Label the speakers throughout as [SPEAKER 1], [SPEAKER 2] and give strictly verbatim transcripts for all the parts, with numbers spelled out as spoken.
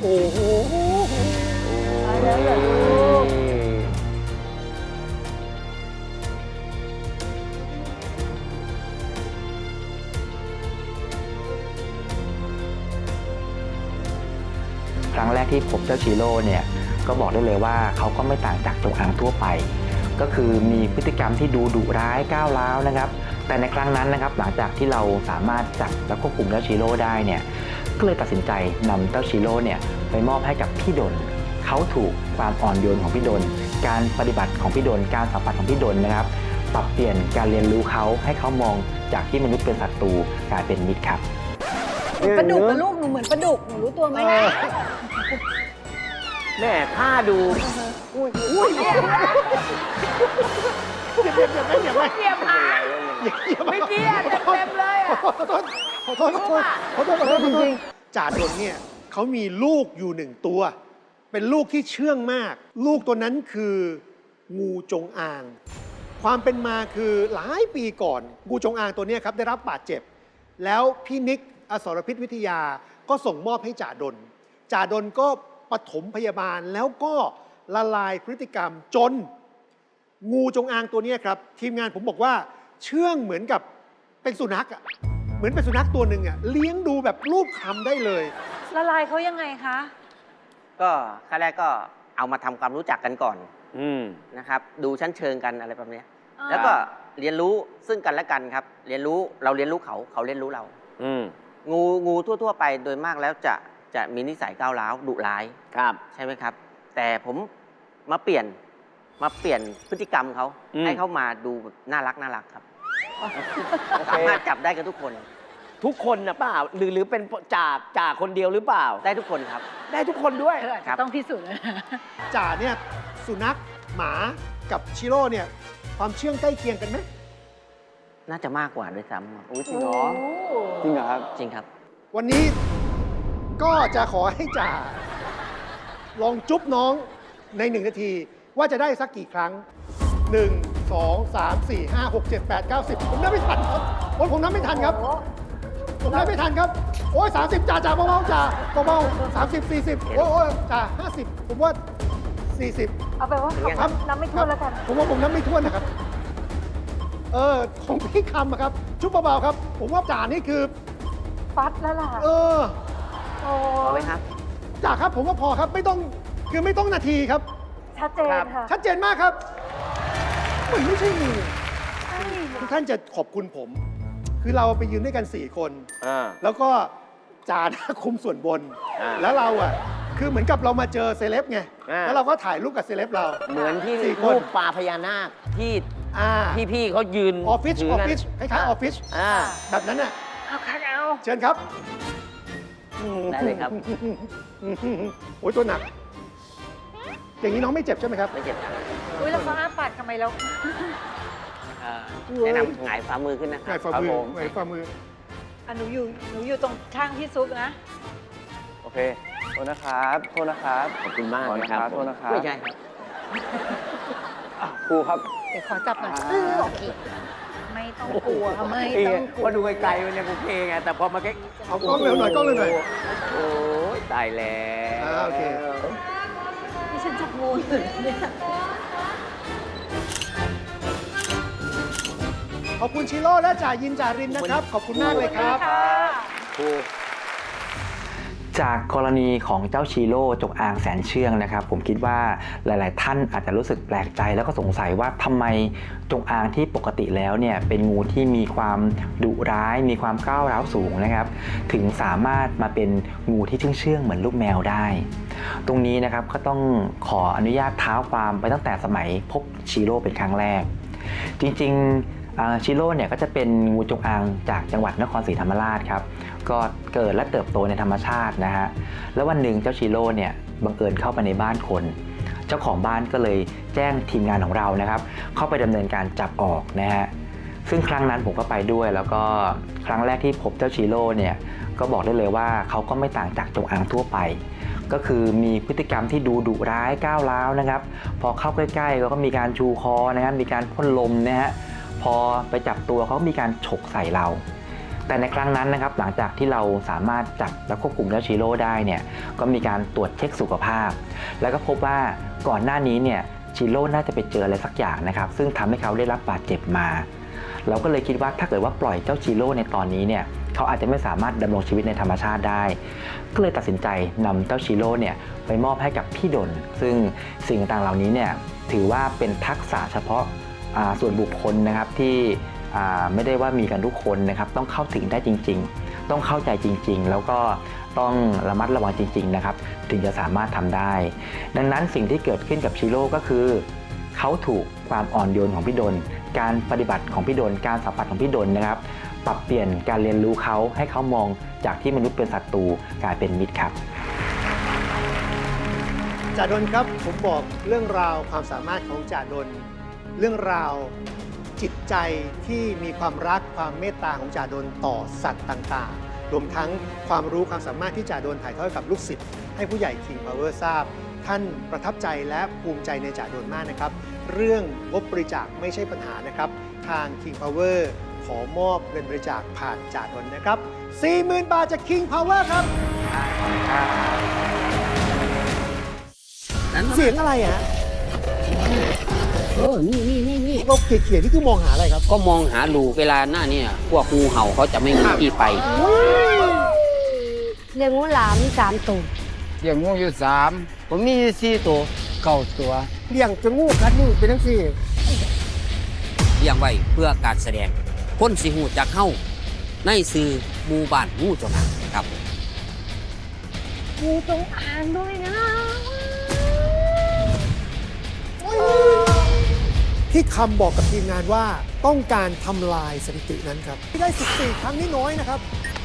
[SPEAKER 1] โอ้โห
[SPEAKER 2] ไปแล้วเหรอลูก
[SPEAKER 3] ครั้งแรกที่พบเจ้าชิโร่เนี่ยก็บอกได้เลยว่าเขาก็ไม่ต่างจากจงอางทั่วไปก็คือมีพฤติกรรมที่ดูดุร้ายก้าวร้าวนะครับแต่ในครั้งนั้นนะครับหลังจากที่เราสามารถจับและควบคุมเจ้าชิโร่ได้เนี่ยก็เลยตัดสินใจนำเจ้าชิโร่เนี่ยไปมอบให้กับพี่ดลเขาถูกความอ่อนโยนของพี่ดลการปฏิบัติของพี่ดลการสัมผัสของพี่ดลนะครับปรับเปลี่ยนการเรียนรู้เขาให้เขามองจากที่มนุษย์เป็นศัตรูกลายเป็นมิตรครับ
[SPEAKER 2] ปลาดุกกับลูกหนูเหมือนปลาดุกหนูรู้ตัวไหมนะ
[SPEAKER 1] แม่ท่าดูอุ้ยอุ้ยเดี๋ยวเดี๋ยวเดี๋ยวไม่เดี๋ยวไม่
[SPEAKER 2] เกียบหางไม่เกียบเต็มเลยอ่ะ
[SPEAKER 1] ขอโทษขอโทษขอโทษขอโทษขอโทษจริงๆจ่าดลเนี่ยเขามีลูกอยู่หนึ่งตัวเป็นลูกที่เชื่องมากลูกตัวนั้นคืองูจงอางความเป็นมาคือหลายปีก่อนงูจงอางตัวนี้ครับได้รับบาดเจ็บแล้วพี่นิกอสรพิษวิทยาก็ส่งมอบให้จ่าดลจ่าดลก็ปฐมพยาบาลแล้วก็ละลายพฤติกรรมจนงูจงอางตัวนี้ครับทีมงานผมบอกว่าเชื่องเหมือนกับเป็นสุนัขอ่ะเหมือนเป็นสุนัขตัวหนึ่งอ่ะเลี้ยงดูแบบรูปคลำได้เลย
[SPEAKER 2] ละลายเขายังไงคะ
[SPEAKER 4] ก็ขั้นแรกก็เอามาทำความรู้จักกันก่อนนะครับดูชั้นเชิงกันอะไรแบบนี้แล้วก็เรียนรู้ซึ่งกันและกันครับเรียนรู้เราเรียนรู้เขาเขาเรียนรู้เรางูงูทั่วๆไปโดยมากแล้วจะจะมีนิสัยก้าวร้าวดุร้ายครับใช่ไหมครับแต่ผมมาเปลี่ยนมาเปลี่ยนพฤติกรรมเขาให้เขามาดูน่ารักน่ารักครับสามารถจับได้กับทุกคน
[SPEAKER 5] ทุกคนนะเปล่าหรือหรือเป็นจ่าจ่าคนเดียวหรือเปล่า
[SPEAKER 4] ได้ทุกคนครับ
[SPEAKER 5] ได้ทุกคนด้วย
[SPEAKER 2] ต้องพิสูจน์นะ
[SPEAKER 1] จ่าเนี่ยสุนัขหมากับชิโร่เนี่ยความเชื่องใกล้เคียงกันไหม
[SPEAKER 4] น่าจะมากกว่าด้วยซ้ำ
[SPEAKER 5] โอ้จริงเหรอจริงเหรอครับ
[SPEAKER 4] จริงครับ
[SPEAKER 1] วันนี้ก็จะขอให้จ่าลองจุ๊บน้องในหนึ่งนาทีว่าจะได้สักกี่ครั้งหนึ่ง สอง สาม สี่ ห้า หก เจ็ด แปด เก้า สิบผมนับไม่ทันครับโอ้ยผมนับไม่ทันครับผมนับไม่ทันครับโอ้ยสามสิบจ่าจ่าเบาๆจ่าเบาๆสามสิบสี่สิบโอ้ยจ่าห้าสิบผมว่าสี่สิบ
[SPEAKER 2] เอาไปว่าผมนับไม่ถ้วนแล้วกัน
[SPEAKER 1] ผมว่าผมนับไม่ถ้วนนะครับเออของพี่คำครับจุ๊บเบาๆครับผมว่าจ่านี่คือ
[SPEAKER 2] ฟัดแล้วล่ะ
[SPEAKER 1] เออ
[SPEAKER 4] พอไหมครับ
[SPEAKER 1] จ่าครับผมว่าพอครับไม่ต้องคือไม่ต้องนาทีครับ
[SPEAKER 2] ชัดเจนค่ะ
[SPEAKER 1] ชัดเจนมากครับมันไม่ใช่งูทุกท่านจะขอบคุณผมคือเราไปยืนด้วยกันสี่คนแล้วก็จ่าคุมส่วนบนแล้วเราอ่ะคือเหมือนกับเรามาเจอเซเลบไงแล้วเราก็ถ่ายรูปกับเซเลบเรา
[SPEAKER 5] เหมือนที่รูปปลาพญานาคที่พี่ๆเขายืน
[SPEAKER 1] ออฟฟิศออฟฟิศคล้ายๆออฟฟิศแบบนั้นน่ะ
[SPEAKER 2] เอาครับเอา
[SPEAKER 1] เชิญครับ
[SPEAKER 4] ได้เลยครับ
[SPEAKER 1] โอ้ยตัวหนักอย่างนี้น้องไม่เจ็บใช่ไหมครับ
[SPEAKER 4] ไม่เจ็บครับ
[SPEAKER 2] อุ้ยแล้วเขาอ้าปากทำไมเรา
[SPEAKER 4] แนะนำหงายฝ่ามือขึ้นนะ
[SPEAKER 1] หงายฝ่ามือหงายฝ่ามือ
[SPEAKER 2] อ่ะหนูอยู่หนูอยู่ตรงข้างที่ซุกนะ
[SPEAKER 6] โอเคโทษนะครับโทษนะครับ
[SPEAKER 5] ขอบคุณมากนะครับ
[SPEAKER 6] โทษนะครับ
[SPEAKER 4] ไม่ใช่ครับ
[SPEAKER 6] ครูครับ
[SPEAKER 2] เดี๋ยวขอจับหน่อยโอเคไม่ต้องกลัวไม่ต้องกลัว
[SPEAKER 5] ว่าดูไกลๆมันยังโอเคไงแต่พอมาใกล้
[SPEAKER 1] เอากล้องเร็วหน่อยกล้องเร็วหน่อย
[SPEAKER 5] โอ้ยตายแล้ว
[SPEAKER 1] โอเค
[SPEAKER 2] ที่ฉันจับงูอยู่เนี่ย
[SPEAKER 1] ขอบคุณชิโร่และจ่ายินจ่ารินนะครับขอบคุณมากเลยครับ
[SPEAKER 3] ครูจากกรณีของเจ้าชิโร่จงอางแสนเชื่องนะครับผมคิดว่าหลายๆท่านอาจจะรู้สึกแปลกใจแล้วก็สงสัยว่าทำไมจงอางที่ปกติแล้วเนี่ยเป็นงูที่มีความดุร้ายมีความก้าวร้าวสูงนะครับถึงสามารถมาเป็นงูที่เชื่องๆเหมือนลูกแมวได้ตรงนี้นะครับก็ต้องขออนุญาตเท้าความไปตั้งแต่สมัยพบชิโร่เป็นครั้งแรกจริงๆชิโร่เนี่ยก็จะเป็นงูจงอางจากจังหวัดนครศรีธรรมราชครับก็เกิดและเติบโตในธรรมชาตินะฮะแล้ววันหนึ่งเจ้าชิโร่เนี่ยบังเอิญเข้าไปในบ้านคนเจ้าของบ้านก็เลยแจ้งทีมงานของเรานะครับเข้าไปดำเนินการจับออกนะฮะซึ่งครั้งนั้นผมก็ไปด้วยแล้วก็ครั้งแรกที่พบเจ้าชิโร่เนี่ยก็บอกได้เลยว่าเขาก็ไม่ต่างจากจงอางทั่วไปก็คือมีพฤติกรรมที่ดูดุร้ายก้าวร้าวนะครับพอเข้าใกล้ๆก็มีการชูคอนะครับมีการพ่นลมนะฮะพอไปจับตัวเขามีการฉกใส่เราแต่ในครั้งนั้นนะครับหลังจากที่เราสามารถจับและควบคุมเจ้าชิโร่ได้เนี่ยก็มีการตรวจเช็คสุขภาพ แล้วก็พบว่าก่อนหน้านี้เนี่ยชิโร่น่าจะไปเจออะไรสักอย่างนะครับซึ่งทำให้เขาได้รับบาดเจ็บมาเราก็เลยคิดว่าถ้าเกิดว่าปล่อยเจ้าชิโร่ในตอนนี้เนี่ยเขาอาจจะไม่สามารถดำรงชีวิตในธรรมชาติได้ก็เลยตัดสินใจนำเจ้าชิโร่เนี่ยไปมอบให้กับพี่ดลซึ่งสิ่งต่างๆเหล่านี้เนี่ยถือว่าเป็นทักษะเฉพาะส่วนบุคคลนะครับที่ไม่ได้ว่ามีกันทุกคนนะครับต้องเข้าถึงได้จริงๆต้องเข้าใจจริงๆแล้วก็ต้องระมัดระวังจริงๆนะครับถึงจะสามารถทำได้ดังนั้นสิ่งที่เกิดขึ้นกับชิโร่ก็คือเขาถูกความอ่อนโยนของพี่ดลการปฏิบัติของพี่ดลการสัมผัสของพี่ดลนะครับปรับเปลี่ยนการเรียนรู้เขาให้เขามองจากที่มนุษย์เป็นศัตรูกลายเป็นมิตรครับ
[SPEAKER 1] จ่าดลครับผมบอกเรื่องราวความสามารถของจ่าดลเรื่องราวจิตใจที่มีความรักความเมตตาของจ่าดลต่อสัตว์ต่างๆรวมทั้งความรู้ความสามารถที่จ่าดลถ่ายทอดกับลูกศิษย์ให้ผู้ใหญ่ King Power ทราบท่านประทับใจและภูมิใจในจ่าดลมากนะครับเรื่องงบบริจาคไม่ใช่ปัญหานะครับทาง King Power ขอมอบเงินบริจาคผ่านจ่าดลนะครับ สี่หมื่น บาทจาก King Power ครับเสียงอะไรฮะ
[SPEAKER 5] เออนี่นี่นี่นี่
[SPEAKER 1] เราเขียนๆนี่คือมองหาอะไรครับ
[SPEAKER 5] ก็มองหารูเวลาหน้าเนี่ยพวกงูเห่าเขาจะไม่มีที่ไป
[SPEAKER 2] เลี้ยงงูหลามสามตัว
[SPEAKER 7] เลี้ยงงูอยู่สามผมมีสี่ตัวเก้าตัว
[SPEAKER 1] เลี้ยงจนงูกัดมือเป็นทั้งสี่
[SPEAKER 5] เลี้ยงไว้เพื่อการแสดงคนสิหูจักเข้าในสื่อหมู่บ้านงูจงอางครับ
[SPEAKER 2] งูจงอางด้วยนะ
[SPEAKER 1] ที่คำบอกกับทีมงานว่าต้องการทำลายสถิตินั้นครับที่ได้สิบสี่ครั้งนี่น้อยนะครับ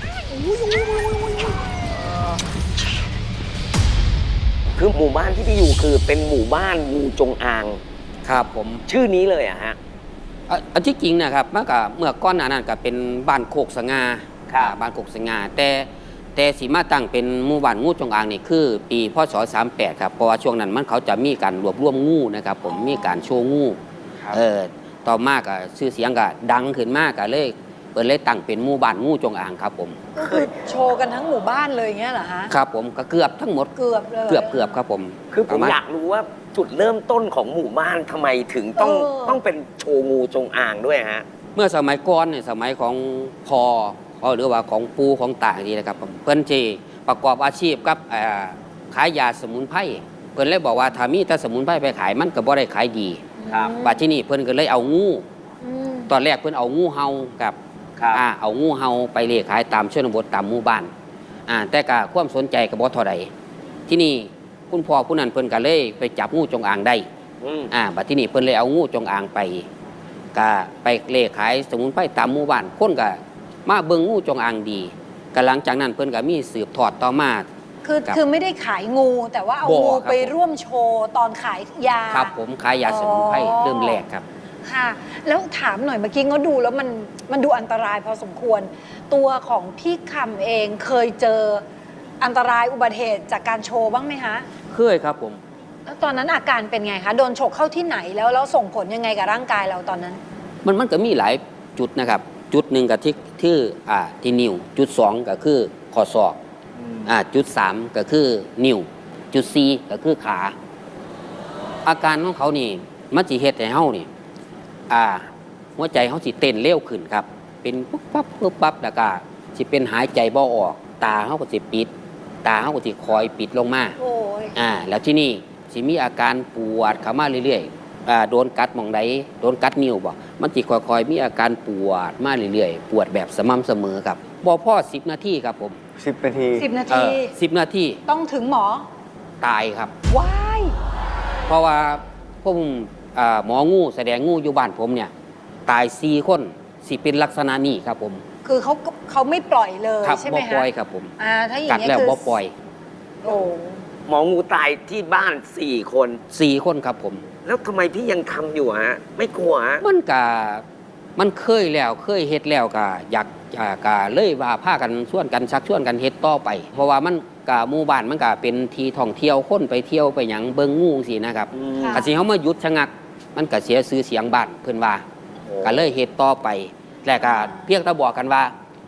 [SPEAKER 8] คือหมู่บ้านที่พี่อยู่คือเป็นหมู่บ้านงูจงอาง
[SPEAKER 5] ครับผม
[SPEAKER 8] ชื่อนี้เลยอะฮะ
[SPEAKER 5] อันที่จริงนะครับเมื่อกับเมื่อก้อนหน้านั้นก็เป็นบ้านโคกสง่าบ้านโคกสง่าแต่แต่สีมาตั้งเป็นหมู่บ้านงูจงอางนี่คือปีพศสามสิบแปดครับเพราะว่าช่วงนั้นมันเขาจะมีการรวบรวมงูนะครับผมมีการโชว์งูเออต่อมากอะชื่อเสียงก็ดังขึ้นมากก็เลยเปิดเลยตั้งเป็นหมู่บ้านงูจงอางครับผม
[SPEAKER 2] ก็คือโชว์กันทั้งหมู่บ้านเลยเงี้ยเหรอฮะ
[SPEAKER 5] ครับผมก็เกือบทั้งหมด
[SPEAKER 2] เกือบเลย
[SPEAKER 5] เกือบเกือบครับผม
[SPEAKER 8] คือผมอยากรู้ว่าจุดเริ่มต้นของหมู่บ้านทำไมถึงต้องต้องเป็นโชว์งูจงอางด้วยฮะ
[SPEAKER 5] เมื่อสมัยก่อนเนี่ยสมัยของพอหรือว่าของปูของตาอย่างนี้นะครับเพิ่นจีประกอบอาชีพกับขายยาสมุนไพรเพิ่นเลยบอกว่าถ้ามีแต่สมุนไพรไปขายมันก็บ่ได้ขายดีบัดที่นี่เพิ่นก็เลยเอางูตอนแรกเพิ่นเอางูเห่ากับอ่าเอางูเห่าไปเลี้ยงขายตามชนบทตามหมู่บ้านอ่าแต่ก็ความสนใจก็บ่เท่าใดที่นี่คุณพ่อผู้นั้นเพิ่นก็เลยไปจับงูจงอางได้อ่าบัดที่นี่เพิ่นเลยเอางูจงอางไปก็ไปเลี้ยงขายสมุนไพรตามหมู่บ้านคนก็มาเบิ่งงูจงอางดีก็หลังจากนั้นเพิ่นก็มีสืบทอดต่อมา
[SPEAKER 2] คือคือไม่ได้ขายงูแต่ว่าเอางูไปร่วมโชว์ตอนขายยา
[SPEAKER 5] ครับผมขายยาสมุนไพรเริ่มแรกครับ
[SPEAKER 2] ค่ะแล้วถามหน่อยเมื่อกี้ก็ดูแล้วมันมันดูอันตรายพอสมควรตัวของพี่คำเองเคยเจออันตรายอุบัติเหตุจากการโชว์บ้างไหมคะ
[SPEAKER 5] เคยครับผม
[SPEAKER 2] แล้วตอนนั้นอาการเป็นไงคะโดนฉกเข้าที่ไหนแล้วแล้วส่งผลยังไงกับร่างกายเราตอนนั้น
[SPEAKER 5] มันมันก็มีหลายจุดนะครับจุดหนึ่งกับที่ที่อ่าที่นิ้วจุดสองก็คือข้อศอกอ่าจุดสามก็คือนิ้วจุดสี่ก็คือขาอาการของเขานี่มันสิเฮ็ดให้เฮานี่อ่าหัวใจเขาสิเต้นเร็วขึ้นครับเป็นปุ๊บปั๊บปุ๊บปั๊บแล้วก็สิเป็นหายใจบ่ออกตาเขาก็สิปิดตาเขาก็สิคอยปิดลงมา
[SPEAKER 2] โอ้ย
[SPEAKER 5] อ่าแล้วที่นี่สิมีอาการปวดเข้ามาเรื่อยๆอ่าโดนกัดหม่องใดโดนกัดนิ้วบ่มันสิค่อยๆมีอาการปวดมาเรื่อยๆปวดแบบสม่ำเสมอครับบ่พอสิบนาทีครับผม
[SPEAKER 6] สิบนาที
[SPEAKER 2] สิบนาที
[SPEAKER 5] สิบนาที
[SPEAKER 2] ต้องถึงหมอ
[SPEAKER 5] ตายครับ
[SPEAKER 2] ว้าย
[SPEAKER 5] เพราะว่าผมหมองูแสดงงูอยู่บ้านผมเนี่ยตายสี่คนสิเป็นลักษณะนี้ครับผม
[SPEAKER 2] คือเขาเขาไม่ปล่อยเลยใช่ไหม
[SPEAKER 5] ฮะบ่ปล่อยครับผม
[SPEAKER 2] อ่าถ้าอย่างนี้
[SPEAKER 5] คือกัดแล้วบ่ปล่อย
[SPEAKER 2] โอ้
[SPEAKER 8] หมองูตายที่บ้านสี่คน
[SPEAKER 5] สี่คนครับผม
[SPEAKER 8] แล้วทำไมพี่ยังทำอยู่ฮะไม่กลัวฮะ
[SPEAKER 5] มันกะมันเคยแล้วเคยเฮ็ดแล้วกะอยากกะเลยว่าพากันชวนกันชักชวนกันเฮ็ดต่อไปเพราะว่ามันกะหมู่บ้านมันกะเป็นที่ท่องเที่ยวคนไปเที่ยวไปหยังเบิ่งงูสินะครับกะสิเฮามาหยุดชะงักมันก็เสียชื่อเสียงบ้านเพิ่นว่าก็เลยเฮ็ดต่อไปแล้วก็เพียงแต่บอกกันว่า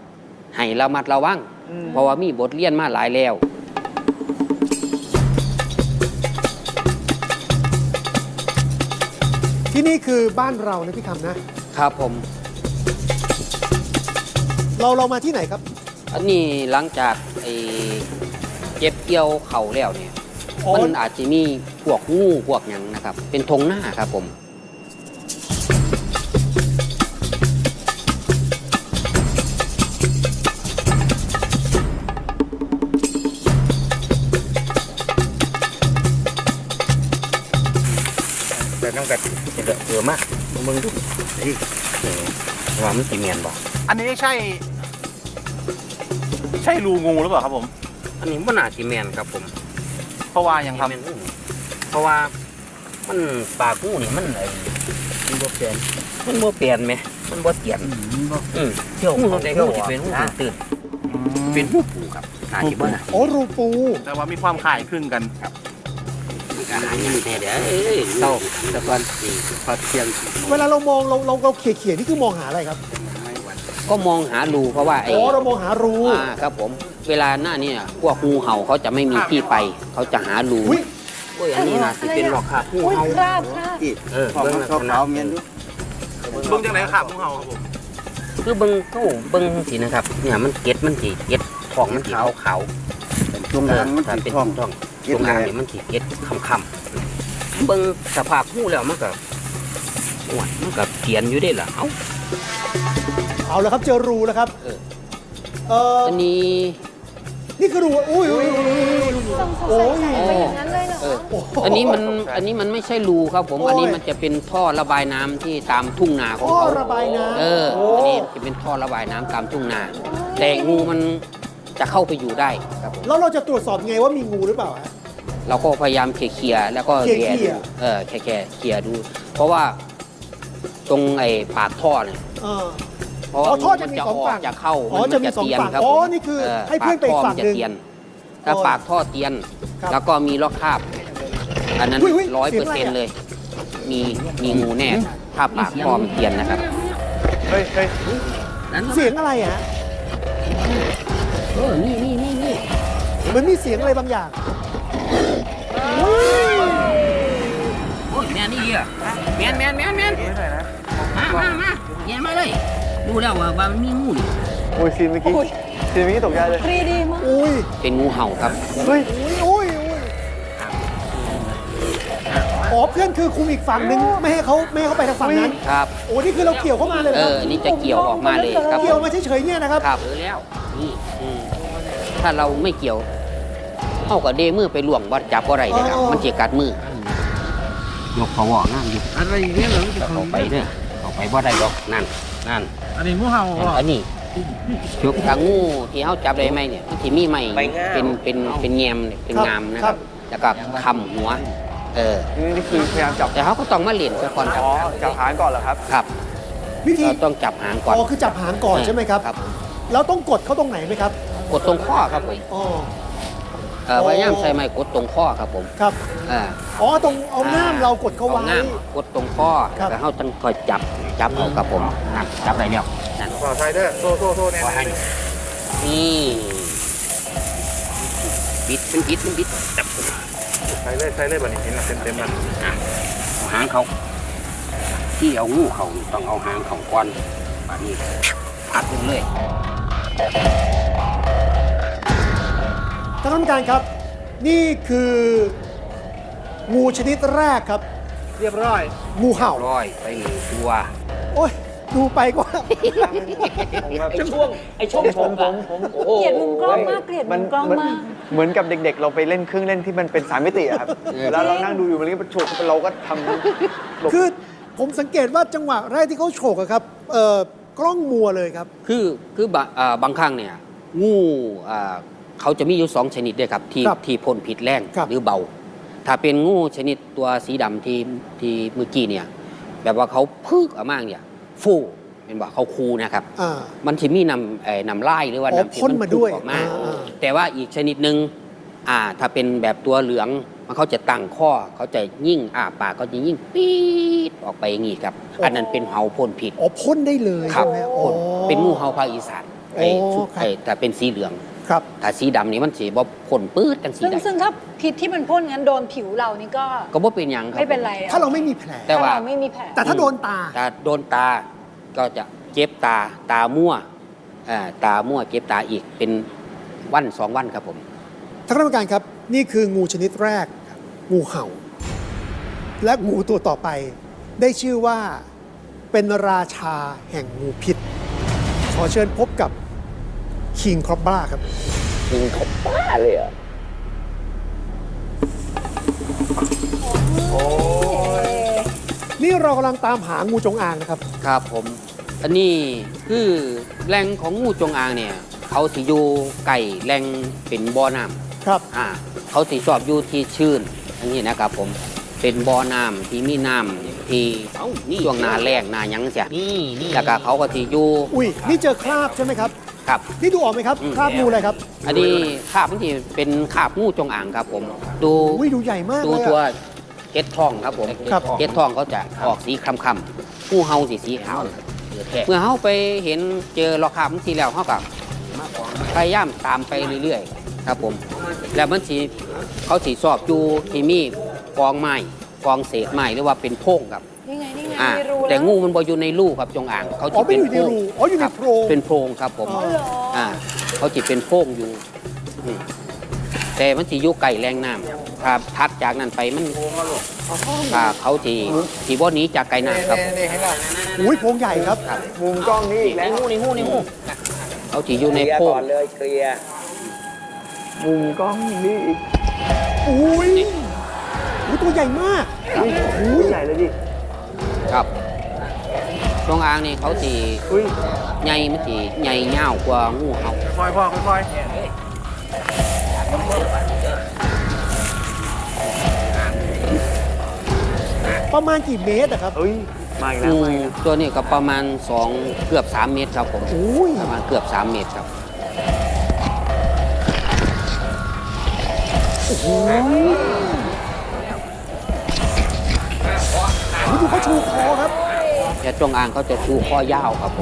[SPEAKER 5] ให้ระมัดระวัง เพราะว่ามีบทเรียนมาหลายแล้ว
[SPEAKER 1] ที่นี่คือบ้านเรานะพี่คำนะ
[SPEAKER 5] ครับผม
[SPEAKER 1] เราเรามาที่ไหนครับ
[SPEAKER 5] อันนี้หลังจากไอ้เก็บเกี่ยวเข่าแล้วเนี่ย
[SPEAKER 1] อ๋อ
[SPEAKER 5] มันอาจจะมีพวกงูพวกหยังนะครับ เป็นธงหน้าครับผม
[SPEAKER 8] แต่ต้องแบบเดือดเดือดมากมึงดูนี่ว่ามันสีเมียนบอก
[SPEAKER 6] อันนี้ใช่ ใช่รูงูหรือเปล่าครับผม
[SPEAKER 5] อันนี้มันอาจจะแมนครับผม
[SPEAKER 6] เพราะว่ายังครับ
[SPEAKER 5] แม่นงูเพราะว่ามันปากงูนี่มันไอ้มันบ่เปลี่ยนมันบ่เปลี่ยนไหมมันบ่เตียนอืม
[SPEAKER 8] เที่ยว
[SPEAKER 5] งู
[SPEAKER 8] เขา
[SPEAKER 5] ใน
[SPEAKER 8] เที่
[SPEAKER 5] งู
[SPEAKER 8] ยว
[SPEAKER 5] ที่เป็นงู
[SPEAKER 8] อ่ะ
[SPEAKER 5] ตื่นๆเป็นงูปูครับน่าจะบ่นะ
[SPEAKER 1] โอ้รูปู
[SPEAKER 6] แต่ว่ามีความคล้ายคลึงกัน
[SPEAKER 5] มีการหาอย่างแน่เดี๋ยวเอ้ยเศร้าแต่ก่อนนี่พอเที่ยง
[SPEAKER 1] เวลาเรามองเราเราเราเขี่ยเขี่ยนี่คือมองหาอะไรครับ
[SPEAKER 5] ก็มองหารูเพราะว่าไอ้
[SPEAKER 1] อ๋อเรามองหารู
[SPEAKER 5] อ่าครับผม เวลาหน้าเนี่ยพวกงูเห่าเขาจะไม่มีที่ไป เขาจะหารู
[SPEAKER 1] อุ้ย
[SPEAKER 5] โอ้ยอันนี้น่าจะเป็นหลอกครับงู
[SPEAKER 2] อุ้ย
[SPEAKER 5] เห่า
[SPEAKER 2] คราบคราบ
[SPEAKER 5] เออเบิ่งลักษณะ
[SPEAKER 6] เบิ้งจังไหนครับงูเห่าครับผม
[SPEAKER 5] คือเบิ่งเขาเบิ่งสินะครับ เนี่ยมันเก็ดมันสิเก็ดทองมันสีขาวขาวเป็นช่วงล่างมันสิเป็นทองทองช่วงล่างเนี่ยมันสิเก็ดคำคำๆเบิ่งสภาพงูแล้วมันก็โอ้ยมันก็เขียนอยู่ได้ล่ะเอ้า
[SPEAKER 1] เอาแล้วครับเจอรูแล้วครับ
[SPEAKER 5] เออ
[SPEAKER 1] เออ
[SPEAKER 5] อันนี้
[SPEAKER 1] นี่คือรูอุ้ยอุ้ยอุ้ยอุ้ย
[SPEAKER 2] สงสัย
[SPEAKER 1] โอ้ย
[SPEAKER 2] ใส่ไปอย่างนั้นเลยเหรอ
[SPEAKER 5] เออ
[SPEAKER 1] โอ้โห
[SPEAKER 5] อันนี้มันอันนี้มันไม่ใช่รูครับผม
[SPEAKER 1] โอ้ย
[SPEAKER 5] อันนี้มันจะเป็นท่อระบายน้ำที่ตามทุ่งนาของ
[SPEAKER 1] ท่อ
[SPEAKER 5] เขา
[SPEAKER 1] ระบายน้ำ
[SPEAKER 5] เออ
[SPEAKER 1] โอ้
[SPEAKER 5] อันนี้จะเป็นท่อระบายน้ำตามทุ่งนา แต่งูมันจะเข้าไปอยู่ได้ครับผม
[SPEAKER 1] แล้วเราจะตรวจสอบยังไงว่ามีงูหรือเปล่าฮะ
[SPEAKER 5] เราก็พยายามเคลียร์ๆแล้วก็
[SPEAKER 1] เคลียร์
[SPEAKER 5] แกะ
[SPEAKER 1] เคลี
[SPEAKER 5] ดู
[SPEAKER 1] ยร์
[SPEAKER 5] เออแค่แค่เคลียร์ดู เพราะว่าตรงไอ้ปากท่อเนี่ย
[SPEAKER 1] เออ
[SPEAKER 5] เพราะ
[SPEAKER 1] อ๋
[SPEAKER 5] ว่า
[SPEAKER 1] อท่อจะ
[SPEAKER 5] มัน
[SPEAKER 1] มี
[SPEAKER 5] จะ
[SPEAKER 1] สอง
[SPEAKER 5] ออ
[SPEAKER 1] ฝั่
[SPEAKER 5] ก
[SPEAKER 1] ง
[SPEAKER 5] จะเข้า
[SPEAKER 1] อ๋อ
[SPEAKER 5] มัน
[SPEAKER 1] จะมี
[SPEAKER 5] จะ
[SPEAKER 1] สอง
[SPEAKER 5] เตียน
[SPEAKER 1] ฝั่ง
[SPEAKER 5] ครับ
[SPEAKER 1] อ๋อ
[SPEAKER 5] ผม
[SPEAKER 1] นี่คือ
[SPEAKER 5] เ
[SPEAKER 1] ให้เพื่อนไปอีกฝั่งหนึ่ง
[SPEAKER 5] ปากท่อมัจะเตียนถ้า
[SPEAKER 1] โอ้ย
[SPEAKER 5] ปากท่อเตียน
[SPEAKER 1] ครับ
[SPEAKER 5] แล้วก็มีล็อกคาบ อันนั้น
[SPEAKER 1] อุ้ยอุ้ย
[SPEAKER 5] ร้อย
[SPEAKER 1] เสี
[SPEAKER 5] เป
[SPEAKER 1] ย
[SPEAKER 5] อง ร์
[SPEAKER 1] อะไร
[SPEAKER 5] เซ็นต์
[SPEAKER 1] อะ
[SPEAKER 5] เลย มีมีงูแน่ ถ้าปากท่อมันเตียนนะครับ
[SPEAKER 6] เฮ้ยเฮ้ย
[SPEAKER 1] เสียงอะไรฮะ
[SPEAKER 5] เออนี่นี่นี่นี่
[SPEAKER 1] เหมันมีเสียงอะไรบางอย่าง
[SPEAKER 5] โอ้ยแมนนี่อ่ะแมนแมนแมนแมนมามามาแมนมาเลย ดูแล้วว่าว่ามันมีงูนี่
[SPEAKER 6] โอ้ยซีนเมื่อกี้ซีนเมื่อกี้ตกใจเลย
[SPEAKER 2] ครีดีมาก
[SPEAKER 1] อุ้ย
[SPEAKER 5] เป็นงูเห่าครับ
[SPEAKER 6] เฮ้ย
[SPEAKER 1] อุ้ยอุ้ยอุ้ยอ๋อเพื่อนคือคุมอีกฝั่งนึงไม่ให้เขาไม่ให้เขาไปทางฝั่งนั้น
[SPEAKER 5] ครับ
[SPEAKER 1] โอ้นี่คือเราเกี่ยวเข้ามาเลยเหร
[SPEAKER 5] เอ
[SPEAKER 1] อค
[SPEAKER 5] อ
[SPEAKER 1] รับ
[SPEAKER 5] นี่จะเกี่ยวออกมาเลยครับ
[SPEAKER 1] เกี่ยวมาเฉยๆเนี่ยนะครับ
[SPEAKER 5] ครับเออแล้ว นี่อืมถ้าเราไม่เกี่ยวเข้ากับเดมือไปล่วงวัดจับอะไรเลยครับ
[SPEAKER 1] อ๋อ
[SPEAKER 5] มันเจีกัดมือ ยกเขาวอกนั่นยก
[SPEAKER 7] อะไรอย่างเงี้ยเหรอ
[SPEAKER 5] เขาไปเด้อเขาไปบ่ได้ดอกนั่นนั่น
[SPEAKER 7] อันนี้งูเห่าเหรอ
[SPEAKER 5] อันนี้ยกทางงูที่เขาจับได้ไหมเนี่ยมันที่มีไหม
[SPEAKER 8] ใบงาม
[SPEAKER 5] เป็นเป็นเป็นแงมเนี่ยเป็น
[SPEAKER 1] ครับ
[SPEAKER 5] งามนะ
[SPEAKER 1] ค
[SPEAKER 5] ค
[SPEAKER 1] รั
[SPEAKER 5] รับ บ แล้วก็คำหัว เออ
[SPEAKER 6] นี่คือพยายามจับ
[SPEAKER 5] แต่เขาก็ต้องมาเล่นซะก่อนครับ
[SPEAKER 6] อ๋อ จับหางก่อนเหรอครับ
[SPEAKER 5] ครับ
[SPEAKER 1] วิธี
[SPEAKER 5] เราต้องจับหางก่อน
[SPEAKER 1] อ๋อคือจับหางก่อนใช่ไหมครับ
[SPEAKER 5] ครับ
[SPEAKER 1] แล้วต้องกดเขาตรงไหนไหมครับ
[SPEAKER 5] กดตรงข้อครับผม
[SPEAKER 1] อ๋อ
[SPEAKER 5] เอ่อ
[SPEAKER 1] โอ้
[SPEAKER 5] พยายามใช้ไม้กดตรงข้อครับผม
[SPEAKER 1] ครับ
[SPEAKER 5] อ่า
[SPEAKER 1] อ๋อตรงเอาง่ามเรากดเขาไว้
[SPEAKER 5] อง่ามกดตรงข้อ
[SPEAKER 1] ครับ
[SPEAKER 5] แล้วเขาต้องคอยจับจับเอาครับผมนั่นจับได้แล้วนั่น
[SPEAKER 6] ขอไซเดอร์โซ่โซ่โซ่แน่
[SPEAKER 5] นี่บิดมันบิดมันบิดจับ
[SPEAKER 6] ไซเลยไซเลยแบบนี้เห็นเต็มเต็มๆมัน
[SPEAKER 5] อ่ะเอาหางเขาที่เอางูเขานี่ต้องเอาหางเขาก่อนแบบนี้พัดลงเลย
[SPEAKER 1] ท่านผู้การครับ นี่คืองูชนิดแรกครับ
[SPEAKER 6] เรียบร้อย
[SPEAKER 1] งูเห่า
[SPEAKER 5] ร้อยไปหนึ่งตัว
[SPEAKER 1] โอ้ยดูไปก็
[SPEAKER 8] ไอ้ช่วงไอ้ช่วงผมผมผมโอ้โห
[SPEAKER 2] เกลียดมุมกล้องมากเกลียดมุมกล้องมาก
[SPEAKER 6] เหมือนกับเด็กๆ เราไปเล่นเครื่องเล่นที่มันเป็นสามมิติอะครับ แล้วเรานั่งดูอยู่มันก็ฉกเราก็ทำหลบ
[SPEAKER 1] คือผมสังเกตว่าจังหวะแรกที่เขาโฉกอะครับเอ่อกล้องมัวเลยครับ
[SPEAKER 5] คือคือบะอ่าบางครั้งเนี่ยงูอ่าเขาจะมีอยู่สองชนิดด้วยครับที่
[SPEAKER 1] ครับ
[SPEAKER 5] ที่พ่นพิษแรง
[SPEAKER 1] ครับ
[SPEAKER 5] หรือเบา ถ้าเป็นงูชนิดตัวสีดำที่ที่เมื่อกี้เนี่ยแบบว่าเขาพึกออกมาเนี่ยฟูเป็นว่าเขาคูนะครับ
[SPEAKER 1] อ่า
[SPEAKER 5] มันจะมีนำเอ่อนำไล่หรือว่า
[SPEAKER 1] อ๋อ
[SPEAKER 5] นำที่
[SPEAKER 1] พ่นมาด้วย
[SPEAKER 5] พุ่งออกมา
[SPEAKER 1] อ่าอ่า
[SPEAKER 5] แต่ว่าอีกชนิดหนึ่งอ่าถ้าเป็นแบบตัวเหลืองมันเขาจะตั้งข้อเขาจะยิ่งอ่าปากเขาจะยิ่งปี๊ดออกไปอย่างนี้ครับ อันนั้นเป็นเห่าพ่นพิษ
[SPEAKER 1] อ๋อพ่นได้เลย
[SPEAKER 5] ครับ
[SPEAKER 1] ใช่ไหมอ๋อ
[SPEAKER 5] พ่นเป็นงูเห่าภาคอีสานไอ้
[SPEAKER 1] โอ้
[SPEAKER 5] ชุด
[SPEAKER 1] ครับ
[SPEAKER 5] ไอ้แต่เป็นสีเหลือง
[SPEAKER 1] ครับ
[SPEAKER 5] ถ้าสีดำนี่มันสีบ่พ่นปื๊ดจังสี
[SPEAKER 2] ซึ่ง
[SPEAKER 5] ใด
[SPEAKER 2] ซึ่งถ้าพิษที่มันพ่นงั้นโดนผิวเรานี่ก็
[SPEAKER 5] ก็บ่เป็นหยังครับ
[SPEAKER 2] ไม่เป็นไร
[SPEAKER 1] ถ้าเราไม่มีแผล
[SPEAKER 5] แต่
[SPEAKER 2] ถ้า
[SPEAKER 5] ว่า
[SPEAKER 2] เราไม่มีแผล
[SPEAKER 1] แต่ถ้าโดนตา
[SPEAKER 5] ถ้าโดนตาก็จะเจ็บตาตามั่วอ่าตามั่วเจ็บตาอีกเป็นวันสองวันครับผม
[SPEAKER 1] ท่านคณะกรรมการครับ นี่คืองูชนิดแรก งูเห่า และงูตัวต่อไป ได้ชื่อว่าเป็นราชาแห่งงูพิษ ขอเชิญพบกับคิงครอบบ้าครับ
[SPEAKER 8] ยิงเขาบ้าเลยเหรอ
[SPEAKER 1] นี่เรากำลังตามหางูจงอางนะครับ
[SPEAKER 5] ครับผม อันนี้คือแหล่งของงูจงอางเนี่ย เขาสิอยู่ไก่แหล่งเป็นบ่อน้ำ
[SPEAKER 1] ครับ
[SPEAKER 5] อ่าเขาสิชอบอยู่ที่ชื้นอย่างนี้นะครับผมเป็นบ่อน้ำที่มีน้ำที่ช่วงหนาแรงหนาหยังเสียแล้วก็เขาก็สิอยู่
[SPEAKER 1] อุ้ย นี่เจอคราบใช่ไหมครับ
[SPEAKER 5] ครับ
[SPEAKER 1] นี่ดูออกไหมครับ
[SPEAKER 5] อืม
[SPEAKER 1] คราบงูอะไรครับ
[SPEAKER 5] อันนี้คาบมันที่เป็นคาบงูจงอางครับผม ดู
[SPEAKER 1] อุ้ย ดูใหญ่มาก
[SPEAKER 5] ดู
[SPEAKER 1] เลย
[SPEAKER 5] ตัว
[SPEAKER 1] อะ
[SPEAKER 5] เก็ดทองครับผม
[SPEAKER 1] ครับ
[SPEAKER 5] เก็ดทองเขาจะออกสีคล้ำๆผู้เฮาสีสีขาวเมื่อเฮาไปเห็นเจอรอคาบมันสีแล้วเฮาก็พยายามตามไปเรื่อยๆ ครับผม แล้วมันสีเขาสีสอบอยู่ที่มีกองไม้กองเศษไม้หรือว่าเป็นโพรงครับ
[SPEAKER 2] นี่ไงนี่ไง
[SPEAKER 5] อ่า
[SPEAKER 2] มีรู
[SPEAKER 5] แต่
[SPEAKER 2] ล้ว
[SPEAKER 5] งูมันบ่อยู่ในรูครับจงอางเขา
[SPEAKER 1] อ๋อ
[SPEAKER 5] จะ
[SPEAKER 1] ไม่
[SPEAKER 5] เป็น
[SPEAKER 1] อยู่ใน
[SPEAKER 5] โพรง
[SPEAKER 1] รูอ๋ออยู่ใน
[SPEAKER 5] ครับ
[SPEAKER 1] โพรง
[SPEAKER 5] เป็นโพรงครับผม
[SPEAKER 1] อ๋อ
[SPEAKER 2] เหรอ
[SPEAKER 5] อ่าเขาจะเป็นโพรงอยู่อืมแต่มันสิอยู่ไก่แรงน้ำครับทัดจากนั้นไปมันอ่าเขาทีทีบ่หนี้จากไก่น้ำครับ
[SPEAKER 1] อุ้ยโพรงใหญ่ครับ
[SPEAKER 6] มุมกล้องนี่อีกแล้ว
[SPEAKER 5] งูนี่งูนี่งูเขาทีอยู่
[SPEAKER 8] เค
[SPEAKER 5] ใน
[SPEAKER 8] ลียร์
[SPEAKER 5] โพร
[SPEAKER 8] ก่
[SPEAKER 5] ง
[SPEAKER 8] อนเลยเคลียร์
[SPEAKER 6] มุมกล้องนี่อีก
[SPEAKER 1] อุ้ยอุ้ยตัวใหญ่มาก
[SPEAKER 6] อุ้ยใหญ่เลยดิ
[SPEAKER 5] ครับจงอางนี่เขาที
[SPEAKER 6] อุ้ย
[SPEAKER 5] ใหญ่มันทีใหญ่ยาวกว่างูเห่า
[SPEAKER 6] ค่อยพ่อค่อย
[SPEAKER 1] ประมาณกี่เมตรอะครับ
[SPEAKER 6] เอ้ย มาอีกแล้ว
[SPEAKER 5] งู
[SPEAKER 6] มาอีกแล้ว
[SPEAKER 5] ตัวนี้ก็ประมาณสองเกือบสามเมตรครับผม
[SPEAKER 1] อุ้ย
[SPEAKER 5] ประมาณเกือบสามเมตรครับ
[SPEAKER 1] อุ๊ยดูเขาชูคอครับ
[SPEAKER 5] แต่จงอางเขาจะชูข้อยาวครับผม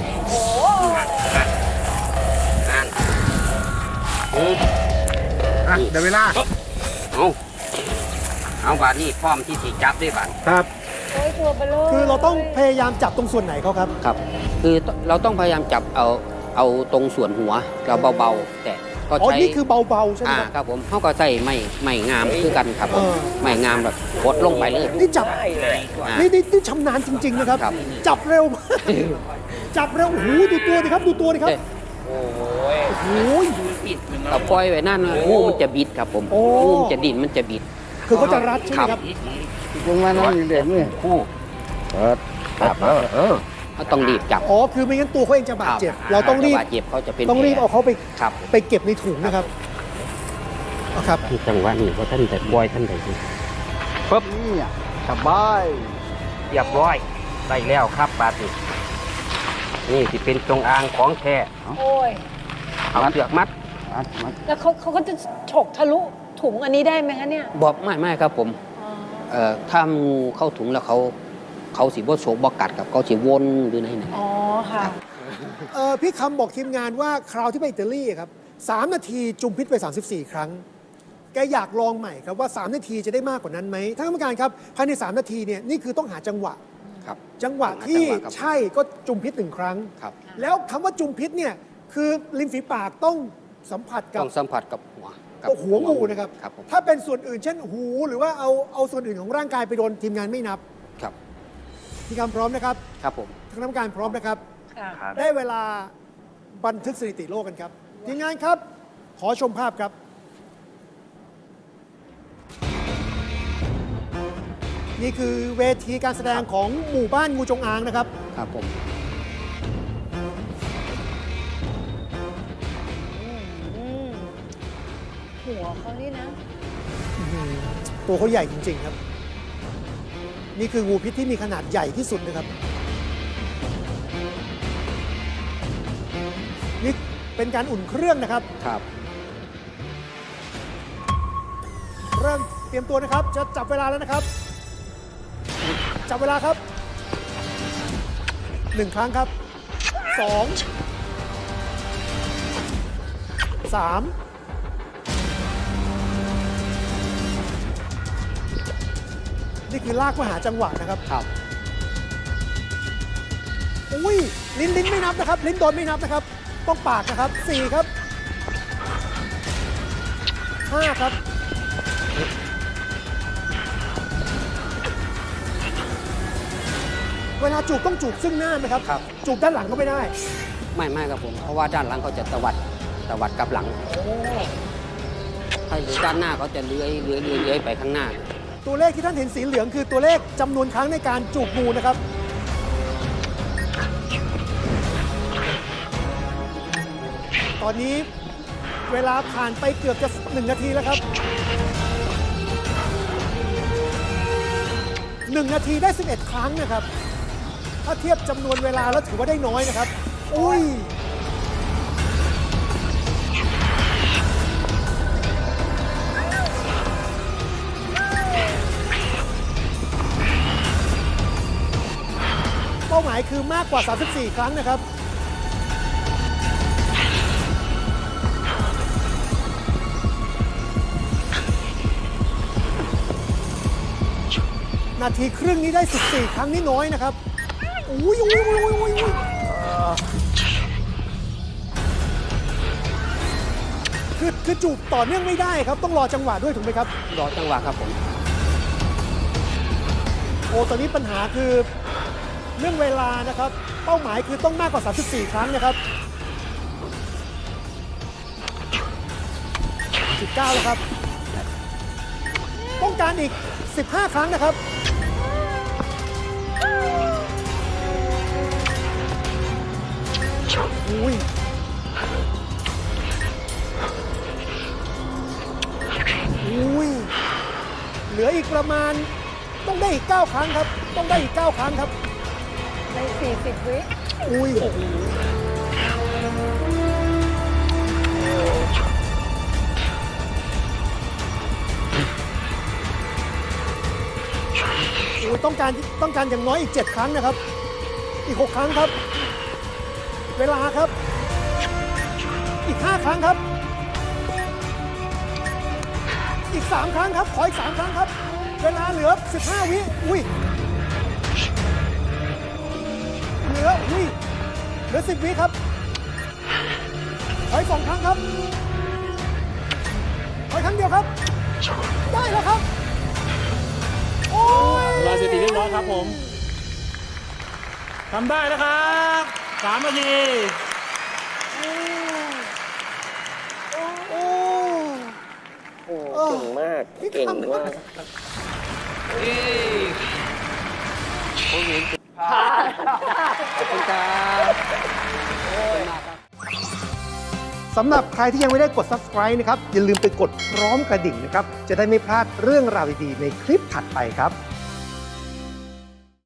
[SPEAKER 7] เดี๋ยวเวลา
[SPEAKER 5] เอาเอาบาดนี้พร้อมที่จะจับได้บาด
[SPEAKER 1] ครับ
[SPEAKER 2] โอ้ยตัวเบลอ
[SPEAKER 1] คือเราต้องพยายามจับตรงส่วนไหนเขาครับ
[SPEAKER 5] ครับ คือเราต้องพยายามจับเอาเอาตรงส่วนหัวเราเบาๆ แต่ก็
[SPEAKER 1] อ๋อ
[SPEAKER 5] ใช้
[SPEAKER 1] นี่คือเบาๆใช่ไหม
[SPEAKER 5] อ่า
[SPEAKER 1] ครับ
[SPEAKER 5] ครับผมเขาก็ใส่ไม้ไม้งามคือกันครับผม
[SPEAKER 1] เออ
[SPEAKER 5] ไม้งามแบบกดลงไปเลย
[SPEAKER 1] นี่จับ
[SPEAKER 5] อ่า
[SPEAKER 1] นี่นี่นี่ชำนาญจริง ๆ นะครับ
[SPEAKER 5] ครับ
[SPEAKER 1] จับเร็วมาก จับเร็ว โอ้โห ดูตัวดิครับ ดูตัวดิครับ โอ้โห
[SPEAKER 5] เราปล่อยไว้นั่นนะงูมันจะบิดครับผม
[SPEAKER 1] โอ้
[SPEAKER 5] งูมันจะดิ้นมันจะบิด
[SPEAKER 1] คือเขาจะรัดใช่ไหมครับ
[SPEAKER 7] ลงมาน้องเด็กนี่คู่เปิดครับเออเออ
[SPEAKER 5] เขาต้องรีบจับ
[SPEAKER 1] อ๋อ คือไม่งั้นตัวเขาเองจะบาดเจ็บ เราต้องรีบ
[SPEAKER 5] บาดเจ็บเขาจะเป็น
[SPEAKER 1] ต้องรีบ
[SPEAKER 5] แผล
[SPEAKER 1] เอาเขาไป
[SPEAKER 5] ครับ
[SPEAKER 1] ไปเก็บในถุงนะครับเอาครับ
[SPEAKER 5] จังหวะนี้ว่าท่านแต่ปล่อยท่านใดสิ
[SPEAKER 7] ปึ๊บนี่อ่ะสบาย
[SPEAKER 5] เรียบร้อยได้แล้วครับบาดนี้นี่สิเป็นจงอางของแท้
[SPEAKER 2] โอ้ย
[SPEAKER 5] เอาเสือกมัด
[SPEAKER 7] มัดมัด
[SPEAKER 2] แล้วเขาเขาก็จะฉกทะลุถุงอันนี้ได้ไหมคะเนี่ย
[SPEAKER 5] บอกไม่ไม่ครับผม
[SPEAKER 2] อ๋อ
[SPEAKER 5] เอ่อถ้างูเข้าถุงแล้วเขาเขาสิบ่โฉกบ่กัดกับเขาสิวนหรือไหนไหน
[SPEAKER 2] อ๋อค่ะ
[SPEAKER 1] เออพี่คำบอกทีมงานว่าคราวที่ไปอิตาลีครับสามนาทีจุมพิษไป สามสิบสี่ ครั้ง แกอยากลองใหม่ครับว่า สาม นาทีจะได้มากกว่านั้นไหมท่านกรรมการครับภายใน สาม นาทีเนี่ยนี่คือต้องหาจังหวะ
[SPEAKER 5] ครับ
[SPEAKER 1] จังหวะที่
[SPEAKER 5] จังหวะครับ
[SPEAKER 1] ใช่ก็จุมพิษหนึ่งครั้ง
[SPEAKER 5] ครับ
[SPEAKER 1] แล้วคำว่าจุมพิษเนี่ยคือริมฝีปากต้องสัมผัสกับ
[SPEAKER 5] ต้องสัมผัสกับหัวกั
[SPEAKER 1] ตัวหัวงูนะครับ
[SPEAKER 5] ครับผม
[SPEAKER 1] ถ้าเป็นส่วนอื่นเช่นหูหรือว่าเอาเอาส่วนอื่นของร่างกายไปโดนทีมงานไม่นับ
[SPEAKER 5] ครับ
[SPEAKER 1] พี่คำพร้อมนะครับ
[SPEAKER 5] ครับผม
[SPEAKER 1] ทางกรรมการพร้อมนะครับ
[SPEAKER 2] ค่ะ
[SPEAKER 1] ได้เวลาบันทึกสถิติโลกกันครับทีมงานครับ ขอชมภาพครับ นี่คือเวทีการแสดงของหมู่บ้านงูจงอางนะครับ
[SPEAKER 5] ครับผม
[SPEAKER 2] อืมหัวเขานี่นะ
[SPEAKER 1] ตัวเขาใหญ่จริง ๆ ครับ นี่คืองูพิษที่มีขนาดใหญ่ที่สุดนะครับ นี่เป็นการอุ่นเครื่องนะครับ
[SPEAKER 5] ครับ
[SPEAKER 1] เริ่มเตรียมตัวนะครับ จะจับเวลาแล้วนะครับ จับเวลาครับหนึ่งครั้งครับสองสามนี่คือลากมาหาจังหวะนะครับ
[SPEAKER 5] ครับ
[SPEAKER 1] อุ้ยลิ้นลิ้นไม่นับนะครับ ลิ้นโดนไม่นับนะครับ ต้องปากนะครับสี่ครับห้าครับเวลาจูบต้องจูบซึ่งหน้าไหมครับ
[SPEAKER 5] ครับ
[SPEAKER 1] จูบด้านหลังก็ไม่ได้
[SPEAKER 5] ไม่ไม่ครับผม เพราะว่าด้านหลังเขาจะตวัดตวัดกลับหลัง ถ้าอยู่ด้านหน้าเขาจะเลื้อยเลื้อยเลื้อยเลื้อยไปข้างหน้า
[SPEAKER 1] ตัวเลขที่ท่านเห็นสีเหลืองคือตัวเลขจำนวนครั้งในการจูบงูนะครับ ตอนนี้เวลาผ่านไปเกือบจะหนึ่งนาทีแล้วครับหนึ่งนาทีได้สิบเอ็ดครั้งนะครับ ถ้าเทียบจำนวนเวลาแล้วถือว่าได้น้อยนะครับ อุ้ย เป้าหมายคือมากกว่า สามสิบสี่ ครั้งนะครับ นาทีครึ่งนี้ได้ สิบสี่ ครั้งนี่น้อยนะครับ อุ้ยอุ้ยอุ้ยอุ้ยอุ้ยอุ้ยคือคือจูบต่อเนื่องไม่ได้ครับ ต้องรอจังหวะด้วยถูกไหมครับ
[SPEAKER 5] รอจังหวะครับผม
[SPEAKER 1] โอ้ ตอนนี้ปัญหาคือเรื่องเวลานะครับ เป้าหมายคือต้องมากกว่า สามสิบสี่ ครั้งนะครับ สิบเก้า แล้วครับ ต้องการอีก สิบห้า ครั้งนะครับ อุ้ย อุ้ย เหลืออีกประมาณต้องได้อีก เก้า ครั้งครับ ต้องได้อีก เก้า ครั้งครับ
[SPEAKER 2] ในสี่สิบวิ
[SPEAKER 1] อุ้ย อุ้ย ต้องการต้องการอย่างน้อยอีก เจ็ด ครั้งนะครับ อีก หก ครั้งครับ เวลาครับ อีก ห้า ครั้งครับ อีก สาม ครั้งครับ ขออีก สาม ครั้งครับ เวลาเหลือ สิบห้า วิ อุ้ย เหลือ อุ้ย เหลือ สิบ วิครับ ขออีก สอง ครั้งครับ ขออีกครั้งเดียวครับ ได้แล้วครับ โอ้ย
[SPEAKER 9] เวลาสถิติเรียบร้อยครับผม ทำได้นะครับสามนาที
[SPEAKER 1] โอ้
[SPEAKER 8] โอ้เก่งมาก เก่งมาก
[SPEAKER 5] ขอบคุณครับ
[SPEAKER 1] สำหรับใครที่ยังไม่ได้กด Subscribe นะครับ อย่าลืมไปกดพร้อมกระดิ่งนะครับ จะได้ไม่พลาดเรื่องราวดีๆในคลิปถัดไปครับ